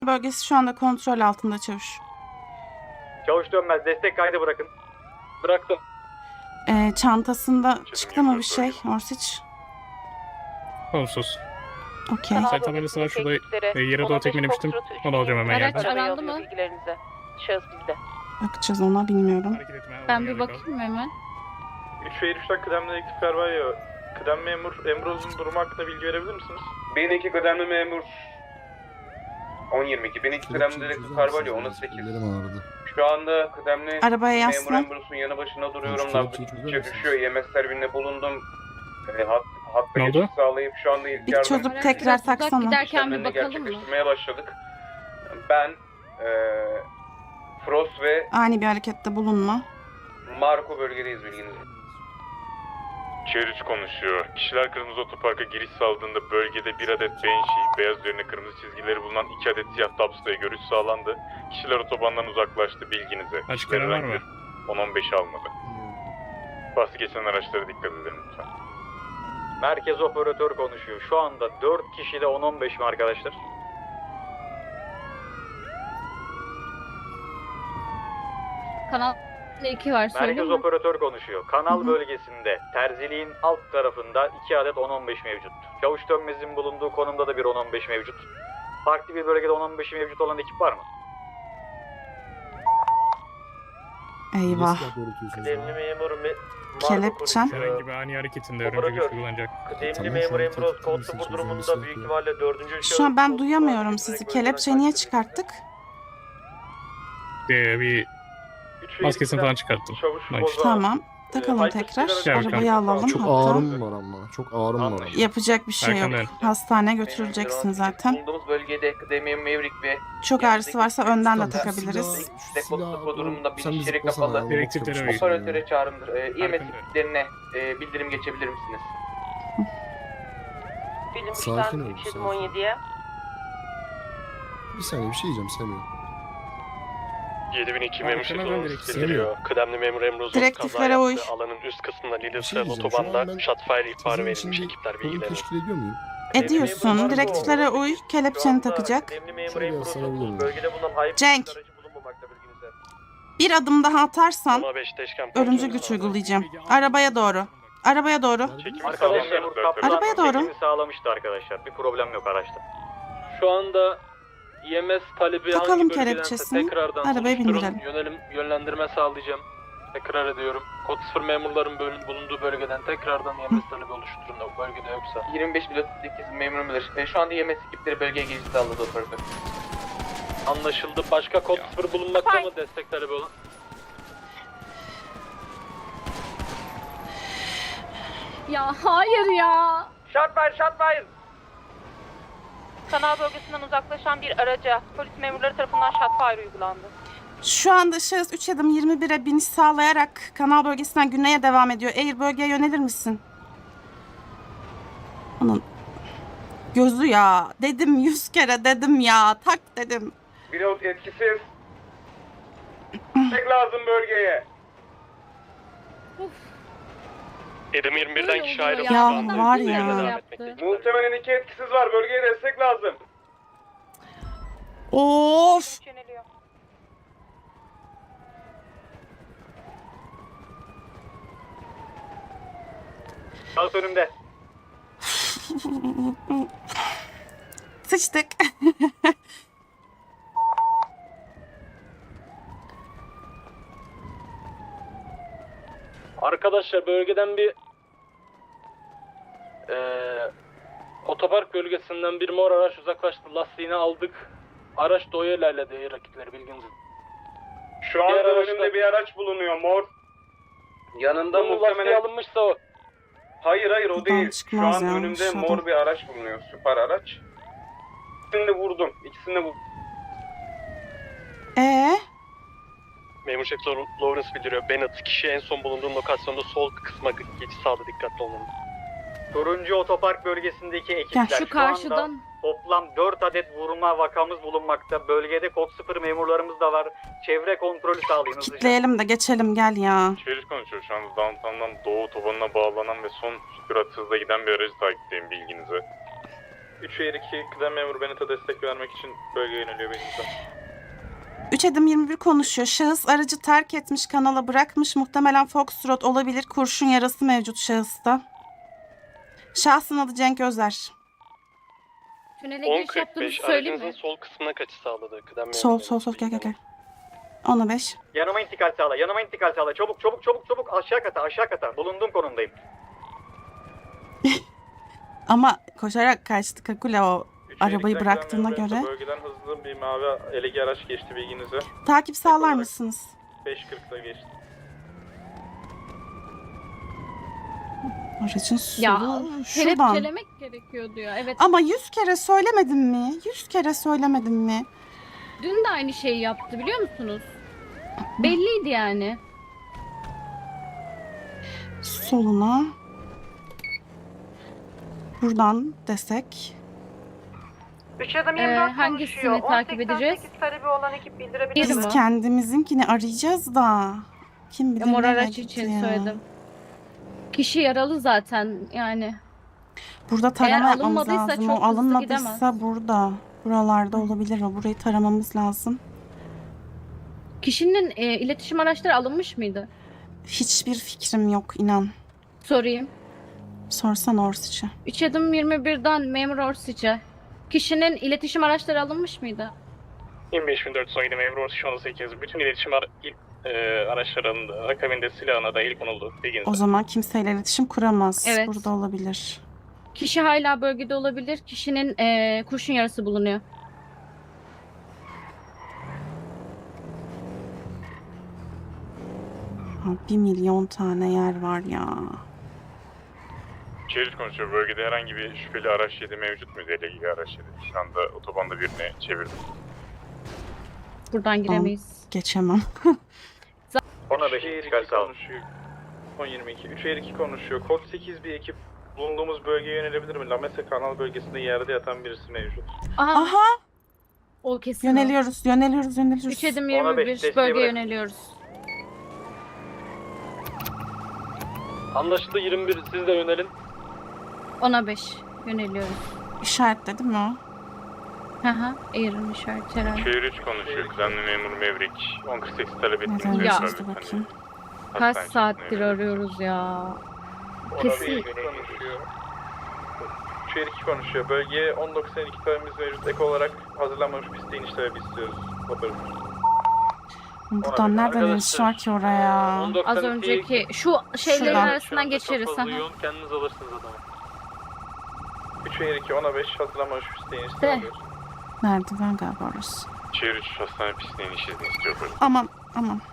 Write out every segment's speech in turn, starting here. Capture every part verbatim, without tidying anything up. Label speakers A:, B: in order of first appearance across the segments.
A: Bölgesi şu anda kontrol altında çavuş.
B: Çavuş dönmez. Destek kaydı bırakın.
C: Bıraktım.
A: Ee, çantasında çıktı mı bir şey Orsic?
D: Olumsuz.
A: Okey.
D: Sayı tabelasına şurada e, yere doğru tekmelemiştim. Onu alacağım hemen
E: Araç
D: yerden.
E: arandı mı?
F: Şahıs bizde.
A: Bakacağız ona, bilmiyorum.
D: Hareket etme,
E: Ben
D: olduğum
E: bir
D: yerde kal.
E: bakayım hemen.
C: üç ve üçten kıdemli ekipler var ya. Kıdem memur Emroz'un durumu hakkında bilgi verebilir misiniz?
G: bin iki kıdemli memur on yirmi iki. bin iki kıdemli dedektif Carvalho on sekiz. Şu anda kıdemli
A: Arabaya
G: memur
A: yaslan.
G: Emros'un yanı başında duruyorum.
H: Çocuk-
G: Nabzı
H: çocuk
G: gittikçe
H: çözer
G: düşüyor. E M S servinle bulundum. E, hat, hatta
D: Ne oldu?
G: geçiş sağlayıp şu anda ilk
A: Bir
G: yardım
A: çocuk
E: Araç
A: tekrar
E: biraz uzak
A: taksana.
E: giderken bir
G: işlemlerini
E: bakalım mı?
G: gerçekleştirmeye başladık. Ben, e, Frost ve
A: Ani bir harekette bulunma.
G: Marco bölgedeyiz, bilginiz olsun.
C: Tier üç konuşuyor. Kişiler kırmızı otoparka giriş sağladığında bölgede bir adet Banshee, beyaz üzerine kırmızı çizgileri bulunan iki adet siyah Dubs'la görüş sağlandı. Kişiler otobandan uzaklaştı, bilginize.
D: Açık
C: Kişiler
D: ara var
C: herhangi
D: mı?
C: bir on on beş almadı. Bahsi geçen araçlara dikkat edin lütfen.
B: Merkez operatör konuşuyor. Şu anda dört kişide on on beş mi arkadaşlar?
E: Kanal iki var, söyleyeyim
B: Merkez
E: mi?
B: operatör konuşuyor. Kanal
A: Hı hı.
B: bölgesinde terziliğin alt tarafında iki adet on on beş mevcut. Çavuş Dönmez'in bulunduğu konumda da bir on on beş mevcut. Farklı bir bölgede on on beşi mevcut olan ekip var mı?
A: Eyvah.
C: Kıdemli memur me
A: Kelepçem.
D: Herhangi bir ani hareketinde örümcek
C: Operatör.
D: güç kullanacak.
C: Kıdemli
H: Tamam,
C: memur
H: şu an
C: Emroz
H: tehdit
C: kod
H: misin?
C: sıfır durumunda
H: Çözülmesi
C: büyük
H: gerekiyor.
C: ihtimalle dördüncü
A: Şu an ben duyamıyorum sizi. Kelepçeyi niye çıkarttık?
D: Ee, bir maskesini falan çıkarttım.
C: Çavuş
D: Nice.
C: Boza.
A: Tamam. Takalım
C: Ee,
A: tekrar.
D: Gel bakalım.
A: Arabayı alalım
H: Çok
A: hatta.
H: ağrım var ama. Çok ağrım var ama.
A: Yapacak bir şey yok.
D: Arkamdan.
A: Hastane götüreceksin zaten.
G: Bulunduğumuz bölgede kıdemli Maverick ve
A: Çok ağrısı varsa önden de
H: Silah-
A: takabiliriz.
G: Depot sıfır durumunda bir
H: Sen bizi
G: şişiri
H: zıplasana
G: kapalı.
H: ya,
D: Direktiflere
H: çok
D: uyun.
H: çalışıyor
G: Operatöre
H: ya.
G: çağrımdır. Ee, E M S
D: Farkındayım.
G: ekiplerine e, bildirim geçebilir misiniz?
F: Film
H: Sakin ol,
F: üç
H: sakin.
F: on yediye.
H: Bir saniye bir şey diyeceğim Semih.
C: yedi bin iki
D: Tamam,
C: memur
D: tamam,
C: şeklinde
D: direktif.
C: geliyor. Kıdemli memur Emroz'un
A: Direktiflere
C: kaza
A: uy.
C: yaptığı alanın üst kısmında
H: Bir şey
C: Lillers'el
H: diyeceğim. Şu an
C: otobanda
H: ben
C: shotfire ihbarı
H: Sizin
C: verilmiş
H: için bir
C: ekipler
H: konu
C: bilgilerini.
H: teşkil ediyor muyum?
A: Ediyorsun. Direktiflere uy. Kelepçeni takacak.
C: Kıdemli memur
H: Şöyle
C: Emroz'un
H: yaslanabilir miyim?
C: bölgede bulunan hayır
A: Cenk.
C: aracı bulunmamakta, bilginize.
A: Bir adım daha atarsan
C: ona beş teşkem
A: örümcü
C: kontrolü
A: güç
C: sağladı.
A: uygulayacağım. Arabaya doğru. Arabaya doğru.
C: Çekimi
B: Arkadaşlar
C: sağlayan
B: memur
C: memur
B: kaptan
A: Arabaya doğru.
B: çekimi sağlamıştı arkadaşlar. Bir problem yok araçta.
I: Şu anda E M S talebi
A: Takalım
I: hangi bölgedense
A: kelepçesini,
I: tekrardan
A: arabaya
I: soruşturun.
A: bindirelim.
I: Yönelim, yönlendirme sağlayacağım. Tekrar ediyorum. Kod sıfır memurların bölün- bulunduğu bölgeden tekrardan E M S talebi oluşturun o bölgede yoksa.
G: yirmi beş pilot sekiz memur bilir. E, şu anda E M S ekipleri bölgeye giriş sağladı operatör.
I: Anlaşıldı. Başka kod sıfır bulunmakta mı destek talebi olan?
E: Ya hayır ya.
G: Shotfire, shotfire!
F: Kanal bölgesinden uzaklaşan bir araca polis memurları tarafından shotfire uygulandı.
A: Şu anda şahıs üç adım yirmi bire biniş sağlayarak kanal bölgesinden güneye devam ediyor. Eğer bölgeye yönelir misin? Onun gözü ya. Dedim yüz kere dedim ya. Tak dedim.
G: Pilot etkisiz. Tek lazım bölgeye.
C: Edim yirmi birden
E: Böyle
C: kişi
E: oluyor
C: ayrıldı.
A: Ya
C: şu anda.
A: var
C: Üzerine
A: ya.
C: devam
E: Yaptı.
C: etmekte.
G: Muhtemelen iki etkisiz var. Bölgeye destek lazım.
A: Of.
F: Yöneliyor.
B: Şahıs önümde.
A: Sıçtık.
I: Arkadaşlar bölgeden bir eee otopark bölgesinden bir mor araç uzaklaştı. Lastiğini aldık. Araç doğuya ilerledi rakipleri, bilginiz.
G: Şu anda
I: Diğer araçta-
G: önümde bir araç bulunuyor mor. Yanında
I: Bunun lastiği
G: muhtemelen...
I: alınmışsa o.
G: Hayır hayır o
A: Buradan
G: değil. Şu
A: çıkmaz
G: an
A: ya,
G: önümde
A: dışarıdan.
G: mor bir araç bulunuyor. Süper araç. İkisini de vurdum. İkisini de vurdum.
A: Ee,
C: Memur Şef Lawrence bildiriyor. Bennett kişi en son bulunduğu lokasyonda sol kısma geçiş sağladı, dikkatli olun.
B: Turuncu otopark bölgesindeki ekipler
A: Gel.
E: Şu
B: şu anda
E: karşıdan
B: toplam dört adet vurma vakamız bulunmakta. Bölgede kod sıfır memurlarımız da var. Çevre kontrolü sağlayın hızlıca.
A: kitleyelim de geçelim gel ya.
C: Çeviriş konuşuyor. Şu anda downtown'dan doğu otobanına bağlanan ve son sürat hızla giden bir aracı takipteyim, bilginize. üç Eğir iki kıdem memuru Bennett'a destek vermek için bölgeye yöneliyor benimizden.
A: üç Edim yirmi bir konuşuyor. Şahıs aracı terk etmiş, kanala bırakmış. Muhtemelen Foxtrot olabilir. Kurşun yarası mevcut şahısta. Şahsın adı Cenk Özer.
E: Tünele giriş yaptığınızı söyleyeyim mi?
I: sol kısmına kaçış sağladı kıdem memuru.
A: Sol sol sol gel gel gel. ona beş.
B: Yanıma intikal sağla, yanıma intikal sağla. Çabuk çabuk çabuk çabuk aşağı kata, aşağı kata. Bulunduğum konumdayım.
A: Ama koşarak kaçtı Kakule o arabayı bıraktığına göre.
C: Bölgeden hızlı bir mavi elegi araç geçti bilginize.
A: Takip sağlar mısınız?
C: beş kırkta geçti.
A: Aracın
E: Ya
A: solu şuradan.
E: kelepçelemek gerekiyor diyor. Evet.
A: Ama yüz kere söylemedim mi? Yüz kere söylemedim mi?
E: Dün de aynı şeyi yaptı biliyor musunuz? Belliydi yani.
A: Soluna. Buradan desek.
F: üç Edim
E: Ee,
F: yirmi dört
E: hangisini
F: konuşuyor.
E: takip
F: on seksen
E: edeceğiz?
F: sekiz talebi olan ekip bildirebilir
E: Bir
A: Biz
E: mi?
A: kendimizinkini arayacağız da. Kim bilir
E: Mor
A: nereye
E: araç
A: gitti
E: için
A: ya.
E: söyledim. Kişi yaralı zaten yani.
A: Burada tarama
E: Eğer
A: yapmamız
E: alınmadıysa
A: lazım.
E: çok
A: O
E: hızlı
A: alınmadıysa
E: gidemez.
A: burada. Buralarda olabilir o. Burayı taramamız lazım.
E: Kişinin e, iletişim araçları alınmış mıydı?
A: Hiçbir fikrim yok inan.
E: Sorayım.
A: Sorsan Orsiç'e.
E: üç adım yirmi birden memur Orsiç'e. Kişinin iletişim araçları alınmış mıydı?
D: yirmi beş bin dört yüz on yedi memur orta şu anda sekiz. Bütün iletişim ara il e, araçlarının akabinde silahına dahil konuldu. Bilginize.
A: O zaman kimseyle iletişim kuramaz.
E: Evet.
A: Burada olabilir.
E: Kişi hala bölgede olabilir. Kişinin e, kurşun yarası bulunuyor.
A: Ha, bir milyon tane yer var ya.
C: Çevreci konuşuyor. Bölgede herhangi bir şüpheli araç yedi mevcut muydu? Elegi araç yedi. Şu anda otobanda birine çevirdim.
E: Buradan giremeyiz.
A: Geçemem.
B: ona beş intikal sağla.
C: konuşuyor. on yirmi iki. üç Eğir iki konuşuyor. Kod sekiz bir ekip bulunduğumuz bölgeye yönelebilir mi? Lamese kanal bölgesinde yerde yatan birisi mevcut.
E: Aha,
A: Aha!
E: o kesin.
A: Yöneliyoruz, yöneliyoruz, yöneliyoruz.
E: üç adım
B: Ona
E: yirmi
B: beş,
E: bir
B: desteği
E: bölgeye
B: bırak.
E: yöneliyoruz.
I: Anlaşıldı yirmi bir siz de yönelin.
E: ona beş yöneliyoruz.
A: İşaretledi mi o?
E: Haha, Air'ın işareti herhalde.
C: Çevir üç konuşuyor. Kıdemli memur Mevrik. on kırk sekiz talep ettiğiniz
A: Neden
E: Ya.
A: geçti bakayım.
E: Kaç saattir arıyoruz ya. Kesin.
C: konuşuyor. Çevir iki konuşuyor. Bölgeye on doksan iki talebimiz mevcut. Ek olarak hazırlanmamış piste iniş talebi istiyoruz. Operatör.
A: Buradan nereden iniş var ki oraya?
E: Az önceki şu şeylerin
A: Şuradan.
E: arasından geçeriz.
I: Çok fazla
E: Aha.
I: yoğun kendiniz alırsınız adamı.
C: üç Eğir iki ona beş hazırlanmamış piste iniş
E: De.
C: sağlıyoruz.
A: Merdiven galiba orası.
C: Çevir üç hastane pistine iniş izni istiyor.
A: Aman aman.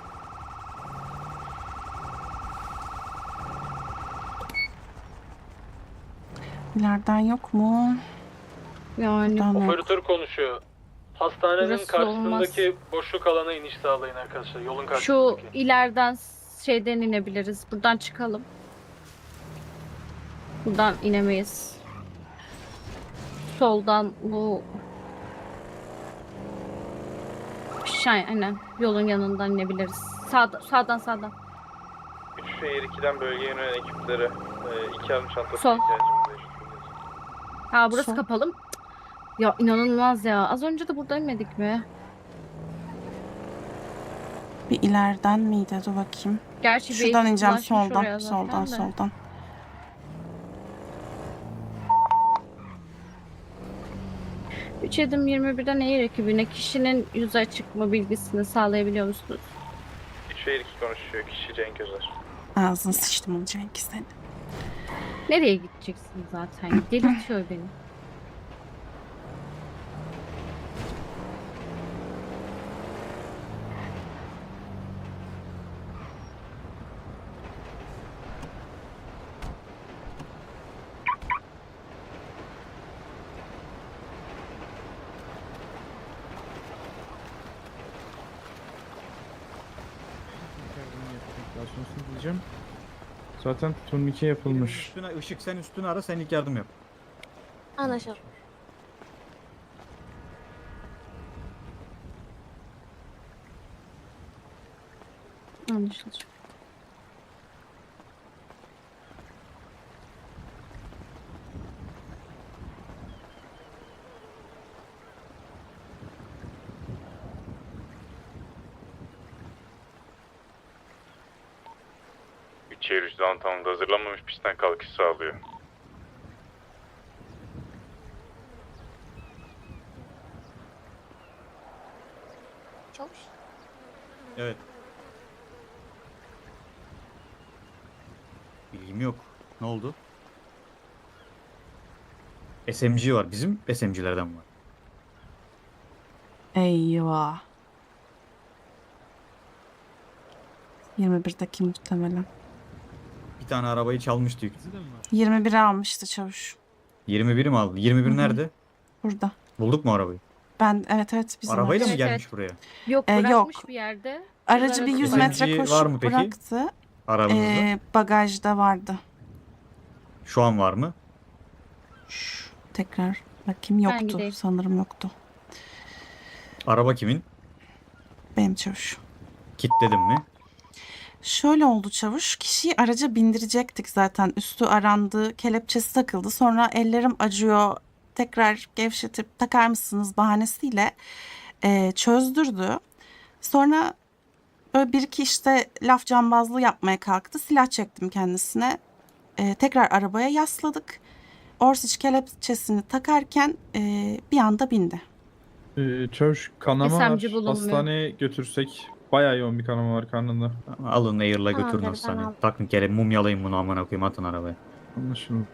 A: İleriden yok mu?
E: Yani
A: Buradan yok.
I: Operatör konuşuyor. Hastanenin
E: Burası
I: karşısındaki boşluk alana iniş sağlayın arkadaşlar. Yolun
E: şu
I: karşısındaki.
E: ileriden şeyden inebiliriz. Buradan çıkalım. Buradan inemeyiz. Soldan bu şey aynen yolun yanından inebiliriz. Sağda, sağdan sağdan.
C: üç Eğir ikiden bölgeye yönelen ekiplere e, iki yardım çantası
E: Sol.
C: ihtiyacımız mevcut.
E: Ha burası
A: Sol.
E: kapalı mı? Ya inanılmaz ya. Az önce de burada inmedik mi?
A: Bir ileriden miydi? Dur bakayım.
E: Gerçi bir
A: Şuradan ineceğim
E: ulaşmış oraya
A: soldan.
E: zaten
A: Soldan
E: de.
A: soldan.
E: üç adım yirmi birden Air ekibine kişinin yüze çıkma bilgisini sağlayabiliyor musunuz?
C: üç Eğir iki konuşuyor. Kişi Cenk Özer.
A: Ağzını sıçtım onu Cenk senin.
E: Nereye gideceksin zaten? Delirtiyor beni.
J: diyeceğim. Zaten turnike yapılmış.
K: Üstüne, Işık sen üstüne ara sen ilk yardım yap.
F: Anlaşıldı.
E: Anlaşıldı.
C: Şehir üç downtown'da hazırlanmamış pistten kalkış sağlıyor.
E: Çavuş.
K: Evet. Bilgim yok. Ne oldu? S M G var. Bizim S M G'lerden var.
A: Eyvah. yirmi birdeki muhtemelen.
K: Bir tane arabayı çalmıştı.
A: yirmi biri almıştı çavuş.
K: yirmi biri mi aldı? yirmi bir
A: Hı hı.
K: nerede?
A: Burada.
K: Bulduk mu arabayı?
A: Ben evet evet bizim
K: Arabayla
A: araç.
K: mı
E: Evet,
K: gelmiş buraya?
E: Yok
A: Ee,
E: bırakmış
A: yok.
E: bir yerde.
A: Aracı bir yüz
K: S M G
A: metre
K: var
A: koşup
K: mı peki?
A: bıraktı.
K: Aranızda.
A: Ee, bagajda vardı.
K: Şu an var mı?
A: Şş, tekrar bakayım, yoktu.
E: gideyim.
A: Sanırım yoktu.
K: Araba kimin?
A: Benim çavuş.
K: Kilitledin mi?
A: Şöyle oldu çavuş. Kişiyi araca bindirecektik zaten. Üstü arandı, kelepçesi takıldı. Sonra ellerim acıyor, tekrar gevşetip takar mısınız bahanesiyle e, çözdürdü. Sonra böyle bir iki işte laf cambazlığı yapmaya kalktı. Silah çektim kendisine. E, tekrar arabaya yasladık. Orsic kelepçesini takarken e, bir anda bindi.
J: Ee, çavuş kanama
E: S M
J: var.
E: G bulunmuyor.
J: Hastaneye götürsek bayağı yoğun bir kanama var karnında.
K: Alın Air'la
E: Tamam,
K: götürün
E: ben
K: hastaneye.
E: aldım.
K: Takın kere mumyalayın bunu amına koyayım, atın arabaya.
J: Anlaşıldı.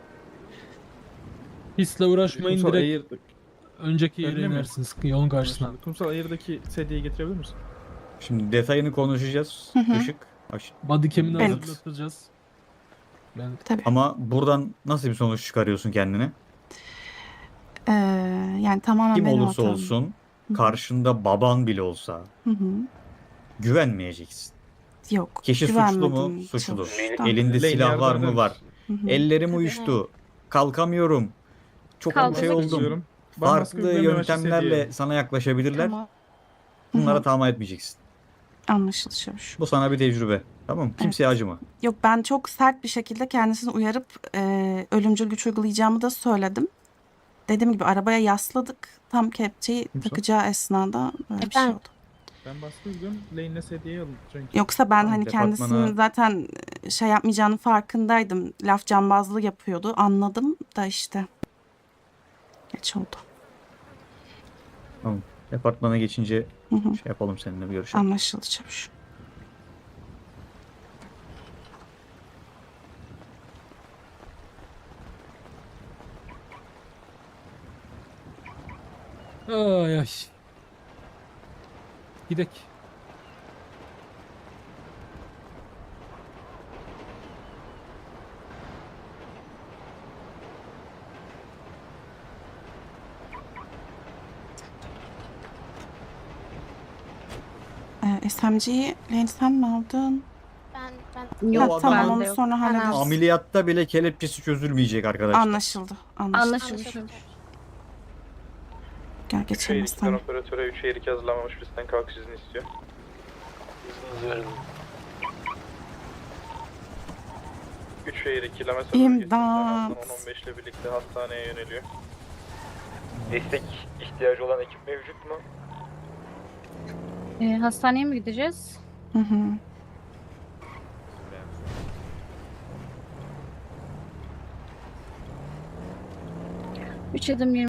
I: Hisle uğraşmayın,
J: Kumsal
I: direkt
J: Air...
I: önceki
J: Öyle
I: yere
J: mi?
I: inersiniz yolun karşısına.
J: Anlaşıldı. Kumsal Air'daki sedyeyi getirebilir misin?
K: Şimdi detayını konuşacağız.
A: Hı hı.
K: Işık. Aş-
I: Bodycam'ini
A: Evet.
I: hazırlatacağız. Ben
A: Tabii.
K: Ama buradan nasıl bir sonuç çıkarıyorsun kendine?
A: E, yani tamamen
K: Kim
A: benim
K: olursa
A: hatam.
K: olsun,
A: Hı hı.
K: karşında baban bile olsa
A: Hı hı.
K: güvenmeyeceksin.
A: Yok.
K: Kişi suçlu mu?
A: güvenmedim
K: Suçlu.
A: çavuştan.
K: Elinde
J: Lane
K: silah var
J: yardım
K: mı?
J: eder
K: Var.
A: Hı hı.
K: Ellerim uyuştu. Kalkamıyorum. Çok
E: Kalkmak
K: şey oldum.
J: Üzülüyorum. Bambaşka
K: Farklı
J: bir güvenme amaçlı
K: yöntemlerle
J: sedye.
K: sana yaklaşabilirler.
A: Tamam.
K: Bunlara
A: Hı hı.
K: tamam etmeyeceksin.
A: Anlaşıldı çavuş.
K: Bu sana bir tecrübe. Tamam mı? Kimseye acıma.
A: Yok, ben çok sert bir şekilde kendisini uyarıp e, ölümcül güç uygulayacağımı da söyledim. Dediğim gibi arabaya yasladık. Tam kepçeyi
J: Kimse?
A: takacağı esnada böyle bir şey
E: Ben-
A: oldu.
J: Ben baskı uyguluyorum. Lane'le sedyeyi alın. Çünkü.
A: Yoksa ben
K: Tamam,
A: hani kendisinin
K: departmana-
A: zaten şey yapmayacağının farkındaydım. Laf cambazlığı yapıyordu. Anladım da işte. Geç oldu.
K: Departmana geçince
A: Hı hı.
K: şey yapalım seninle, bir görüşelim.
A: Anlaşıldı çavuş.
I: ay ay. Gidek.
A: Ee, S M G'yi Lane sen mi aldın?
E: Ben ben
A: Ha,
K: O
A: tamam,
K: adamın
A: onu sonra hallederiz.
K: Ameliyatta bile kelepçesi çözülmeyecek arkadaşlar.
A: Anlaşıldı. Anlaşıldı.
E: anlaşıldı.
A: Gel geçelim hastaneye.
G: operatöre üç Air iki hazırlanmamış pistten kalkış izni istiyor.
I: İzninizi verin.
G: üç Air iki lame
A: İmdat.
G: on on beş ile birlikte hastaneye yöneliyor. Destek ihtiyacı olan ekip mevcut mu?
E: Ee, hastaneye mi gideceğiz?
A: Hı hı.
E: üç adım